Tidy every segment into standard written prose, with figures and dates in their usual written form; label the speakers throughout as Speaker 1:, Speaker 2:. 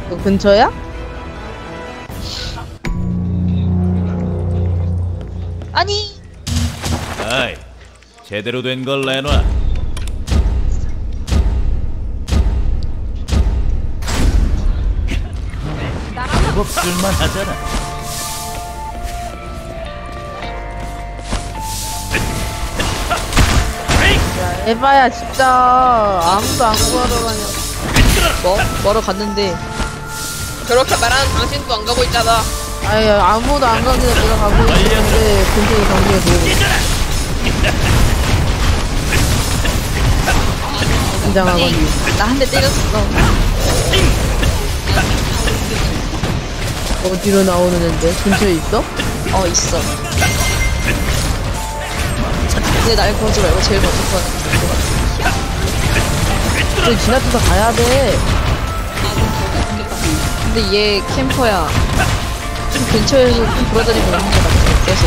Speaker 1: 너 근처야?
Speaker 2: 아니.
Speaker 3: 아이, 제대로 된 걸 내놔. 제법 쓸만하잖아.
Speaker 1: 야, 에바야 진짜 아무도 안 구하러 가냐.
Speaker 2: 뭐? 뭐러 갔는데.
Speaker 4: 그렇게 말하는 당신도 안 가고 있잖아.
Speaker 1: 아니 아무도 안 가길래 내가 가고 있는데 근처에 경기가 보이고. 긴장하거니.
Speaker 2: 나 한 대 때렸어.
Speaker 1: 어디로 나오는 앤데? 근처에 있어?
Speaker 2: 어, 있어. 근데 날 거지 말고 제일 먼저 구하는
Speaker 1: 근데 지나쳐서 가야 돼.
Speaker 2: 근데 얘 캠퍼야. 좀 근처에서 좀 돌아다니고 있는 것 같아. 계속.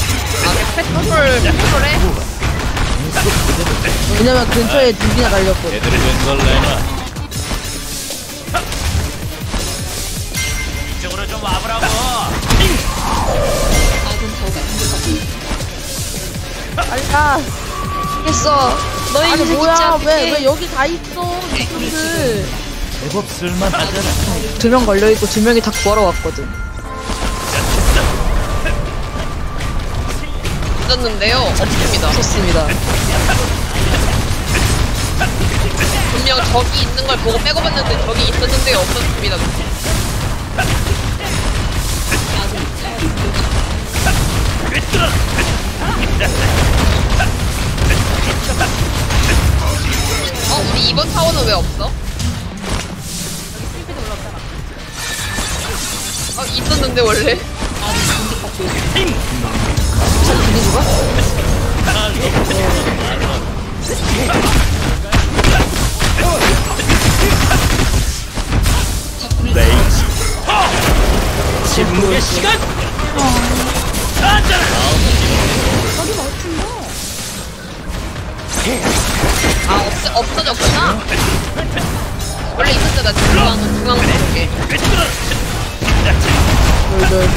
Speaker 4: 페트롤해?
Speaker 1: 왜냐면 근처에 둘이나 달렸거든.
Speaker 3: 제대로 된 걸 내놔. 이쪽으로 좀 와보라고.
Speaker 1: 빨리 가.
Speaker 2: 했어. 너희
Speaker 1: 아니
Speaker 2: 새끼
Speaker 1: 뭐야
Speaker 2: 진짜
Speaker 1: 왜 여기 다 있어 이분들.
Speaker 3: 제법 쓸만하잖아.
Speaker 2: 2명 걸려있고 2명이 다 구하러 왔거든.
Speaker 4: 있었는데요. 없습니다.
Speaker 2: 좋습니다.
Speaker 4: 분명 저기 있는 걸 보고 빼고 봤는데 저기 있었는데 없었습니다. 우리 이번 타워는 왜 없어? 있었는데 원래?
Speaker 2: 잘 들리지가?
Speaker 3: 레이지. 침묵의 시간.
Speaker 4: 없어졌구나? 원래 있었잖아. 중앙 쪽에.
Speaker 1: 널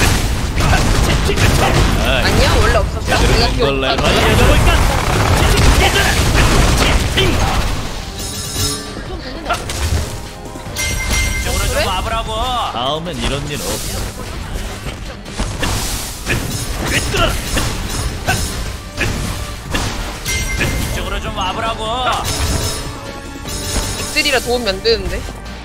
Speaker 4: 아니야? 원래 없었어?
Speaker 3: 제대로
Speaker 4: 내가
Speaker 3: 된
Speaker 4: 기억
Speaker 3: 걸 내놔. 이쪽으로 좀 와보라고. 다음엔 이런 일 없어. 이쪽으로 좀 와보라고.
Speaker 4: 엑셀이라 도움이 안 되는데?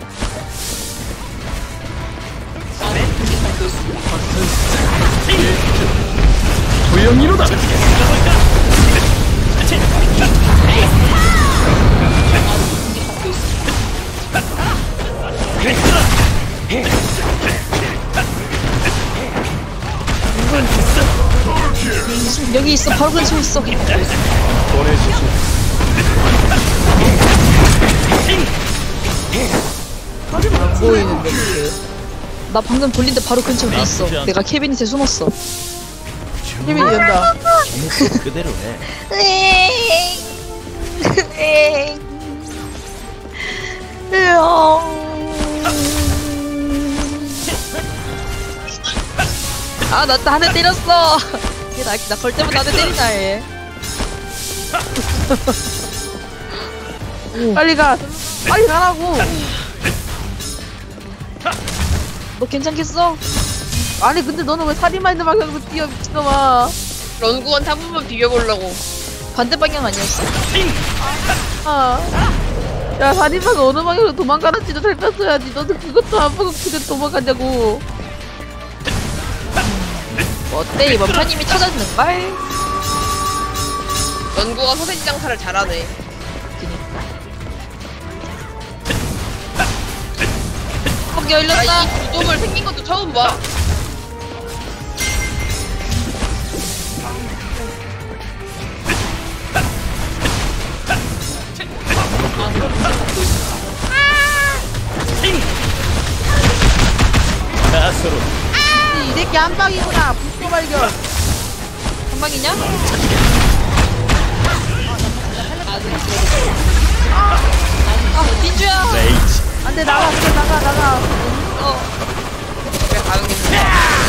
Speaker 3: 도영이로다.
Speaker 2: 여기 있어. 바로 근처에 있어.
Speaker 1: 안 보이는데 이게.
Speaker 2: 나 방금 돌린데 바로 근처에 있어. 내가 캐비닛에 숨었어.
Speaker 1: 힘이 된다.
Speaker 3: 계속 그대로 해.
Speaker 2: 아, 나 한 대 때렸어. 얘 나 걸 때마다 한 대 때리나 얘.
Speaker 1: 빨리 가. 빨리 가라고.
Speaker 2: 너 괜찮겠어?
Speaker 1: 아니 근데 너는 왜 살인마 있는 방향으로 뛰어 미친놈아.
Speaker 4: 런구한테 한 번만 비벼보려고.
Speaker 2: 반대 방향 아니었어?
Speaker 1: 아. 야 살인마가 어느 방향으로 도망가는지도 살폈어야지. 너는 그것도 안 보고 그냥 도망가냐고.
Speaker 2: 어때? 이번 판 이미 터졌는걸?
Speaker 4: 런구가 소세지 장사를 잘하네.
Speaker 2: học 열렸다.
Speaker 4: 나 이 구dom을 생긴 것도 처음 봐.
Speaker 3: 나서로.
Speaker 1: 이 새끼 한 방이구나. 불소 발견.
Speaker 2: 한 방이냐? 아, 빈주야.
Speaker 3: 레이지.
Speaker 1: 안돼 나가 그래 나가.
Speaker 4: 왜 가는 건데?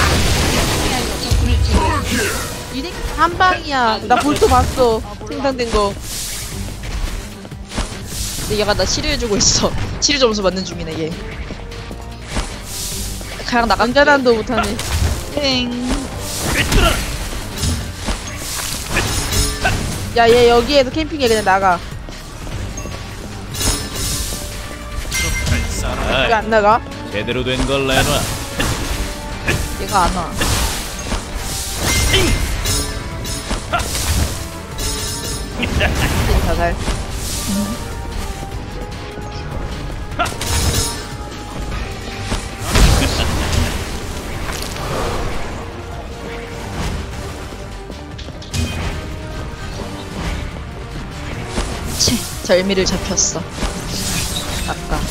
Speaker 1: 이게 한 방이야. 나 벌써 봤어. 생산된 거.
Speaker 2: 근데 얘가 나 치료해주고 있어. 치료 점수 받는 중이네 얘. 그냥 나간
Speaker 1: 남자단도 못하네.
Speaker 2: 땡.
Speaker 1: 야 얘 여기에서 캠핑해 그냥 나가. 왜 안 나가?
Speaker 3: 제대로 된 걸 내놔.
Speaker 2: 얘가 안 와.
Speaker 1: 자살.
Speaker 2: 채, 절미를 잡혔어. 아까.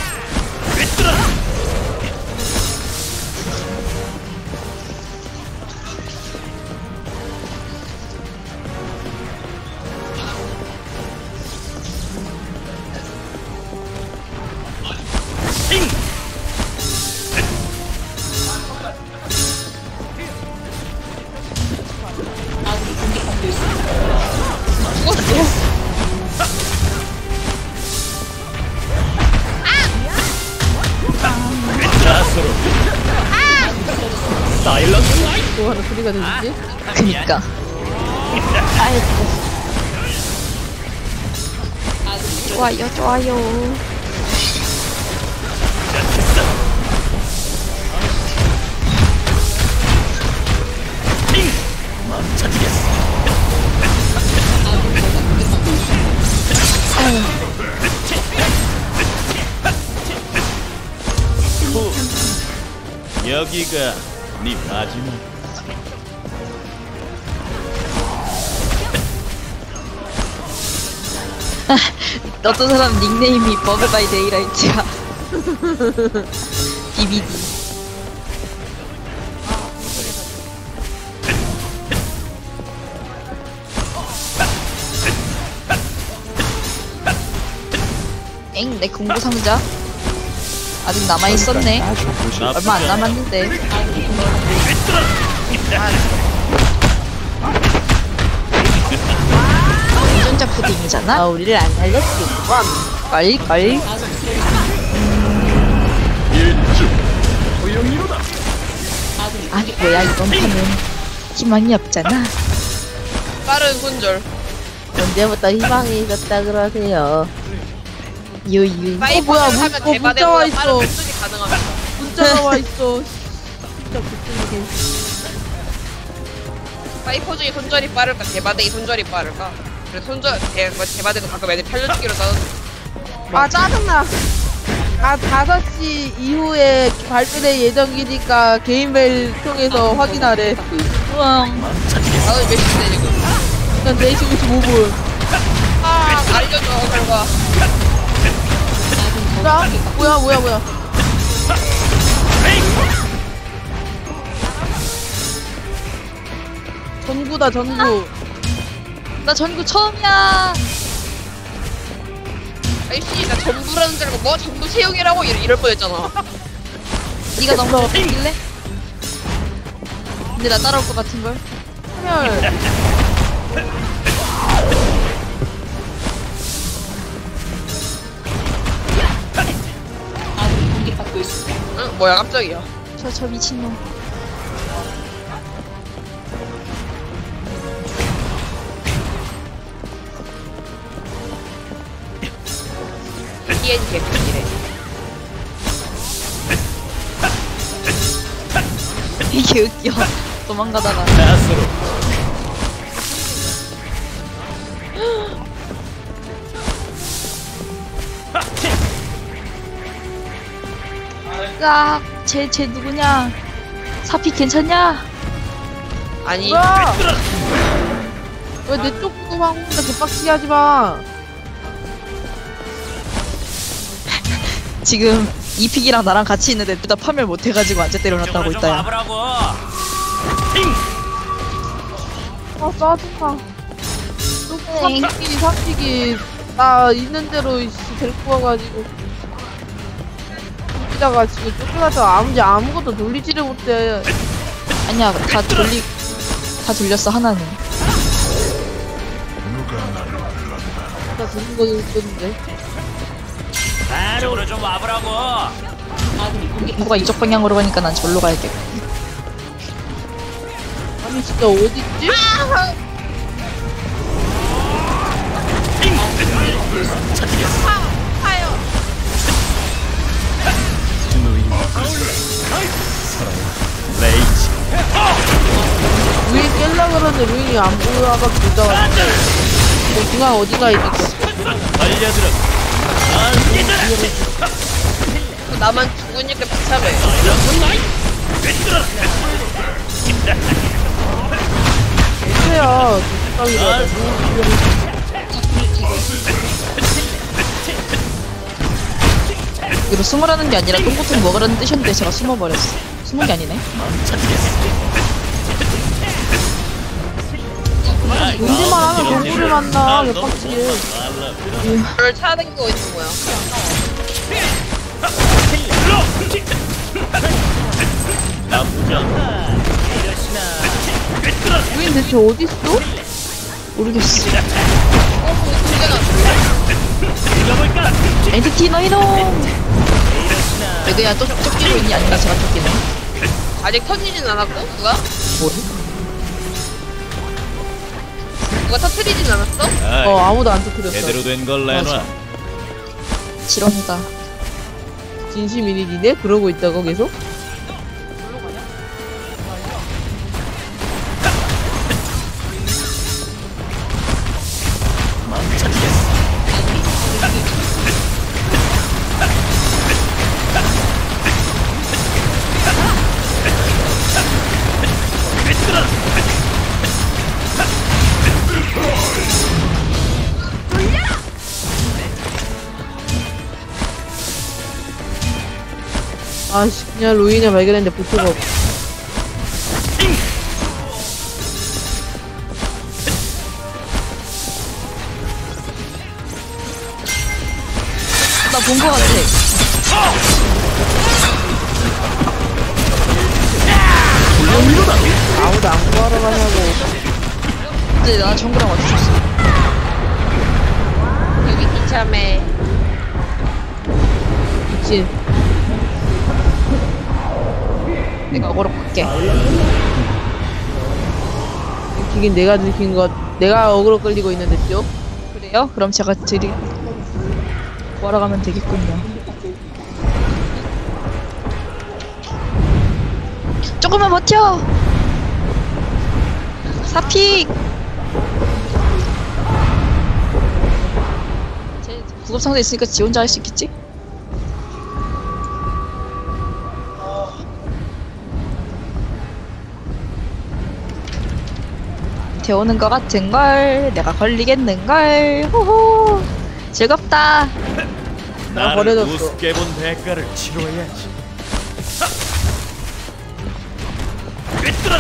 Speaker 3: 자수로. 사일런스.
Speaker 1: 뭐 하는 소리가 들리지?
Speaker 2: 그니까. 아이고. 좋아요, 좋아요.
Speaker 3: 멈춰주겠어. 여기가 네 마지막.
Speaker 2: 어떤 사람 닉네임이 버그 바이 데이라이트야. BBD. 엥, 내 공부 상자 아직 남아 있었네. 얼마 안 남았는데. 운전자 푸딩이잖아.
Speaker 1: 아 우리를 안 살렸겠구만.
Speaker 2: 걸걸. 아니 뭐야 이번 판은 희망이 없잖아.
Speaker 4: 빠른 손절.
Speaker 1: 언제부터 희망이 있었다 그러세요?
Speaker 2: 유유.
Speaker 4: 파이브
Speaker 1: 뭐야,
Speaker 4: 하면
Speaker 1: 문자 와
Speaker 4: 대바대보다
Speaker 1: 있어.
Speaker 4: 빠른 손절이 가능합니다.
Speaker 1: 문자가 와 있어. 진짜 못생기게.
Speaker 4: 파이퍼 중에 손절이 빠를까? 대바대이 손절이 빠를까? 그래 대바대도 가끔 애들 편려주기로 따는.
Speaker 1: 아 짜증나. 5시 이후에 발표될 예정이니까 개인메일 통해서 확인하래.
Speaker 2: 우왕.
Speaker 4: 나도 몇 시인데 지금?
Speaker 1: 난 4시 55분.
Speaker 4: 아 알려줘 결과.
Speaker 1: 뭐야? 전구다 전구.
Speaker 2: 나 전구 처음이야.
Speaker 4: 아이씨 나 전부라는 줄 알고 뭐 전부 채용이라고 이럴 뻔했잖아.
Speaker 2: 네가 너무 못길래? 근데 나 따라올 것 같은 걸.
Speaker 1: 헐.
Speaker 4: 응 뭐야 깜짝이야.
Speaker 2: 저 미친놈.
Speaker 4: TN 개꿀이래.
Speaker 2: 이게 웃겨. 도망가다가.
Speaker 3: 자수로.
Speaker 2: 깍. 쟤 누구냐? 사피 괜찮냐?
Speaker 4: 아니
Speaker 1: 뭐야? 왜 내 쪽 보고 황혼자 개빡치게 하지 마.
Speaker 2: 지금 이픽이랑 나랑 같이 있는데 둘 다 파멸 못해가지고 앉아 때려놨다고
Speaker 3: 좀
Speaker 2: 있다. 야.
Speaker 3: 와보라고.
Speaker 1: 아 짜증나. 삽치기 나 있는 대로 데리고 와가지고. 있다가 지금 쫓겨나서 아무것도 돌리지를 못해.
Speaker 2: 아니야, 다 돌렸어, 하나는.
Speaker 1: 나 돌린 거 있었는데.
Speaker 3: 이쪽으로 좀 와보라고.
Speaker 2: 누가 이쪽 방향으로 가니까 난 절로 가야겠고.
Speaker 1: 아니 진짜 어딨지?
Speaker 3: 레이지.
Speaker 1: 루인 깰라 그러는데 루인이 안 보여가 보다가 뭐 중앙 어디가 있는 거야?
Speaker 3: 알려들어.
Speaker 4: 나만 죽으니까 비참해.
Speaker 1: 애야 두쌍이라.
Speaker 2: 이거 숨으라는 게 아니라 똥꼬통 먹으라는 뜻이었는데 제가 숨어버렸어. 숨은 게 아니네.
Speaker 1: 문제만 하면 동물을 만나 개빡치게.
Speaker 4: 저를 찾아다니고 있는 거야.
Speaker 3: 나쁘지 않다.
Speaker 1: 루인 대체 어딨어?
Speaker 2: 모르겠어.
Speaker 3: 읽어볼까?
Speaker 2: 엔티티 너희놈! 그냥 쫓기고 있니? 아니면 제가 쫓기네?
Speaker 4: 아직 터지진 않았고 누가?
Speaker 2: 뭐래?
Speaker 4: 누가 터트리진 않았어?
Speaker 1: 어 아무도 안 터뜨렸어.
Speaker 3: 제대로 된 걸 내놔.
Speaker 2: 지렁이다.
Speaker 1: 진심이니 니네? 그러고 있다고 계속? 아씨 그냥 루인을 발견했는데 보초가 없어.
Speaker 2: 나 본 거 같아.
Speaker 1: 아무도 안 구하러 가냐고.
Speaker 2: 근데 나 정글랑 맞추셨어.
Speaker 4: 여기 비참해.
Speaker 1: 미친.
Speaker 2: 내가 어그로 갈게.
Speaker 1: 이긴 내가 느낀 것. 내가 어그로 끌리고 있는데 죠
Speaker 2: 그래요? 그럼 제가 구하러 가면 되겠군요. 조금만 버텨! 사픽! 제 구급상자 있으니까 지 혼자 할 수 있겠지? 태우는 것 같은걸 내가 걸리겠는걸 호호 즐겁다.
Speaker 1: 나 버려졌어.
Speaker 3: 우습게 본 대가를 치러야지. 꿰뚫어라.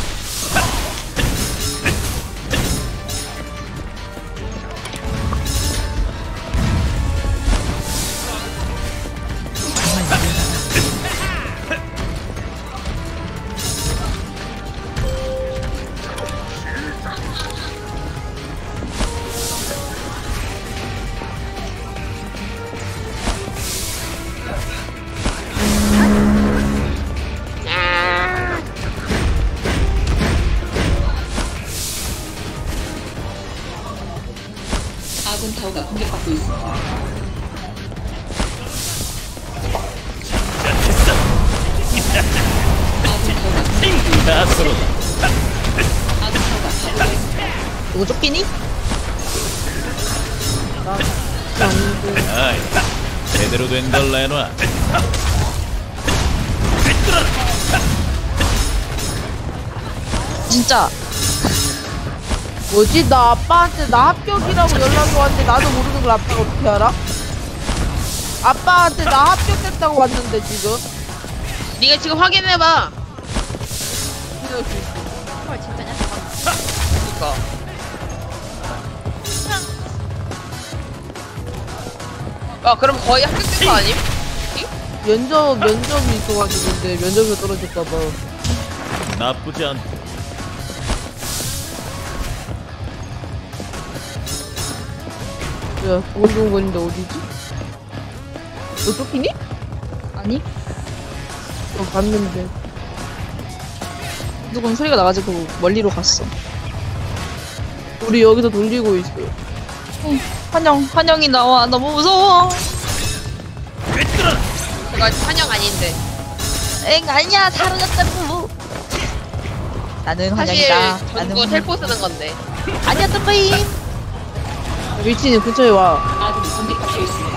Speaker 5: 아군 타워가 공격받고 있습니다.
Speaker 3: 나서로.
Speaker 2: 누구 쫓기니?
Speaker 3: 아이, 제대로 된 걸 내놔.
Speaker 2: 진짜
Speaker 1: 뭐지? 나 아빠한테 나 합격이라고 연락이 왔는데 나도 모르는 걸 아빠가 어떻게 알아? 아빠한테 나 합격됐다고 왔는데 지금.
Speaker 4: 네가 지금 확인해봐.
Speaker 1: 헐 진짜냐?
Speaker 4: 그니까. 그럼 거의 합격된 거 아님?
Speaker 1: 면접이 있어가지고 근데 면접에서 떨어질까봐.
Speaker 3: 나쁘지 않다.
Speaker 1: 야, 두근두근거리는데 어디지? 너 쫓기니?
Speaker 2: 아니?
Speaker 1: 봤는데.
Speaker 2: 누군 소리가 나가지고 멀리로 갔어.
Speaker 1: 우리 여기서 돌리고 있어.
Speaker 2: 환영이 나와. 너무 무서워.
Speaker 4: 그거 환영 아닌데.
Speaker 2: 엥, 아니야. 사라졌다고. 나는
Speaker 4: 사실
Speaker 2: 환영이다.
Speaker 4: 전부 텔포 쓰는 건데.
Speaker 2: 아니야, 뜸바임.
Speaker 1: 위치는 근처에 와.
Speaker 5: 아군이 공격받고 있습니다.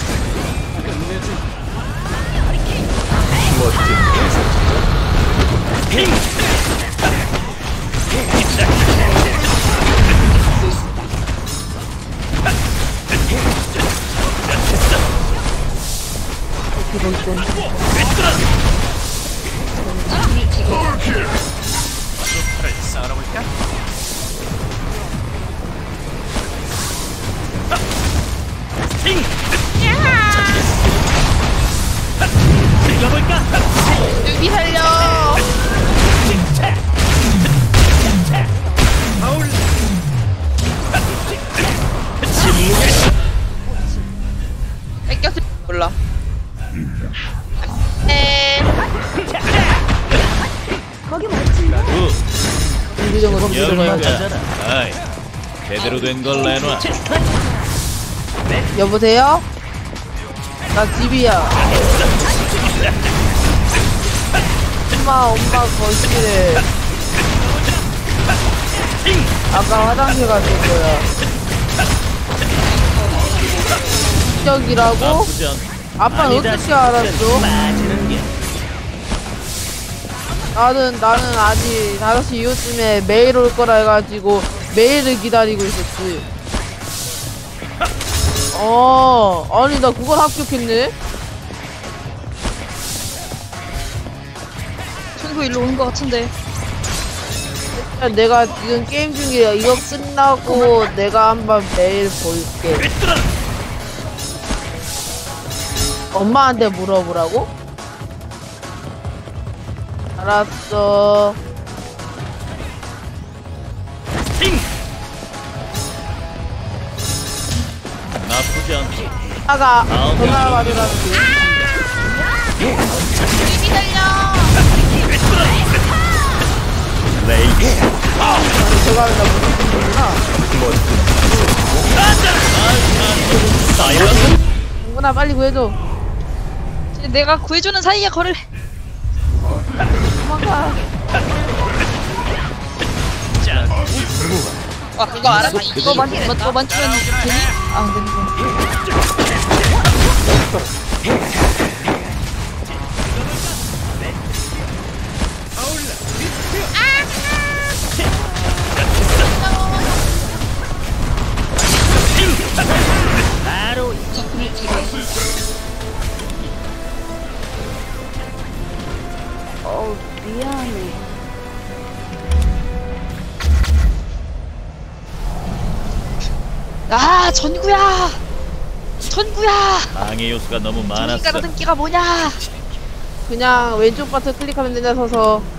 Speaker 5: 받고 있습니다.
Speaker 1: 이건 좀.
Speaker 5: 적군을 제거했습니다.
Speaker 3: 팔을 썰어볼까? 스팅! 즐겨볼까?
Speaker 1: 여기 살려!
Speaker 3: 아울! 침묵의
Speaker 4: 뺏겼을 몰라. 에.
Speaker 3: 구
Speaker 1: 공기정을 컴퓨터를
Speaker 3: 영웅이가
Speaker 1: 맞아.
Speaker 3: 아이 제대로 된 걸 내놔.
Speaker 1: 여보세요? 나 집이야. 엄마 거실에 아까 화장실 갔을 거야. 기적이라고?
Speaker 3: 나쁘지 않다.
Speaker 1: 아빠는 어떻게 알았어?
Speaker 3: 빠지는 게
Speaker 1: 나는 아직 5시 이후쯤에 메일 올 거라 해가지고 메일을 기다리고 있었지. 아니 나 그걸 합격했네?
Speaker 2: 친구 일로 온 것 같은데.
Speaker 1: 내가 지금 게임 중이야. 이거 끝나고 내가 한번 메일 볼게. 엄마한테 물어보라고? 알았어.
Speaker 3: 나쁘지 않다.
Speaker 1: 아가 전화 받으라는 게.
Speaker 3: 레이
Speaker 1: 제가 하면 나 무슨 소리구나.
Speaker 3: 사이런
Speaker 1: 누구나 빨리 구해줘.
Speaker 2: 내가 구해주는 사이에 걸을.
Speaker 1: 도망가.
Speaker 4: 와 그거 알아서
Speaker 2: 너 만지면 되니? 아, 안 되는
Speaker 5: 적군을 제거했습니다.
Speaker 1: 미안해.
Speaker 2: 아, 전구야.
Speaker 3: 방해 요소가 너무
Speaker 2: 전기가
Speaker 3: 많았어.
Speaker 2: 얻은 끼가 뭐냐?
Speaker 1: 그냥 왼쪽 버튼 클릭하면 되냐 서서.